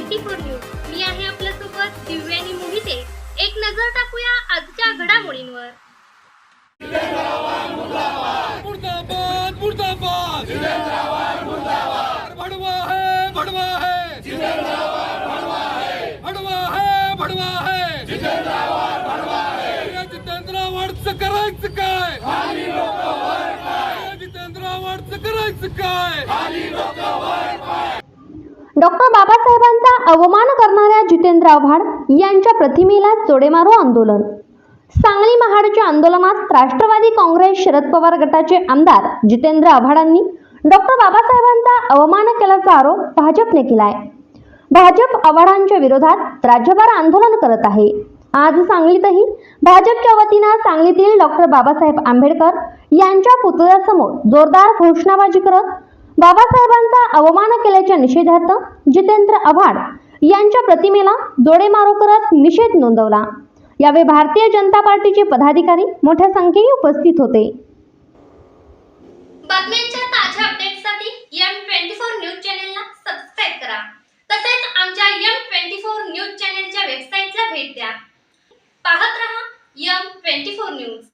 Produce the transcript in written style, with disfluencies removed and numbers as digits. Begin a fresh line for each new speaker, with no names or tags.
24 news. मी आहे आपल्यासोबत दिव्या आणि मोहिते. एक नजर टाकूया आजच्या घडामोडींवर.
मुर्दाबाद मुर्दाबाद जितेंद्राबाद मुर्दाबाद भड़वा है जितेंद्राबादचं करायचं काय जितेंद्राबादचं करायचं काय
डॉक्टर बाबासाहेबांचा अवमान करणाऱ्या जितेंद्र आव्हाड यांच्या प्रतिमेला जोडेमारो आंदोलन. सांगली महाडच्या आंदोलनात राष्ट्रवादी काँग्रेस शरद पवार गटाचे आमदार जितेंद्र आव्हाडांनी डॉक्टर बाबासाहेबांचा अवमान केल्याचा आरोप भाजपने केलाय. भाजप आव्हाडांच्या विरोधात राज्यभर आंदोलन करत आहे. आज सांगलीतही भाजपच्या वतीनं सांगलीतील डॉक्टर बाबासाहेब आंबेडकर यांच्या पुतळ्यासमोर जोरदार घोषणाबाजी करत बाबासाहेबांचा अवमान केल्याच्या निषेधार्थ जितेंद्र आव्हाड यांच्या प्रतिमेला जोडेमारो करत निषेध नोंदवला. यावेळी भारतीय जनता पार्टीचे पदाधिकारी मोठ्या संख्येने उपस्थित होते.
बातम्यांच्या ताज्या अपडेट्ससाठी M24 न्यूज चॅनलला सबस्क्राइब करा. तसेच आमच्या M24 न्यूज चॅनलच्या वेबसाईटला भेट द्या. पाहत रहा M24 न्यूज.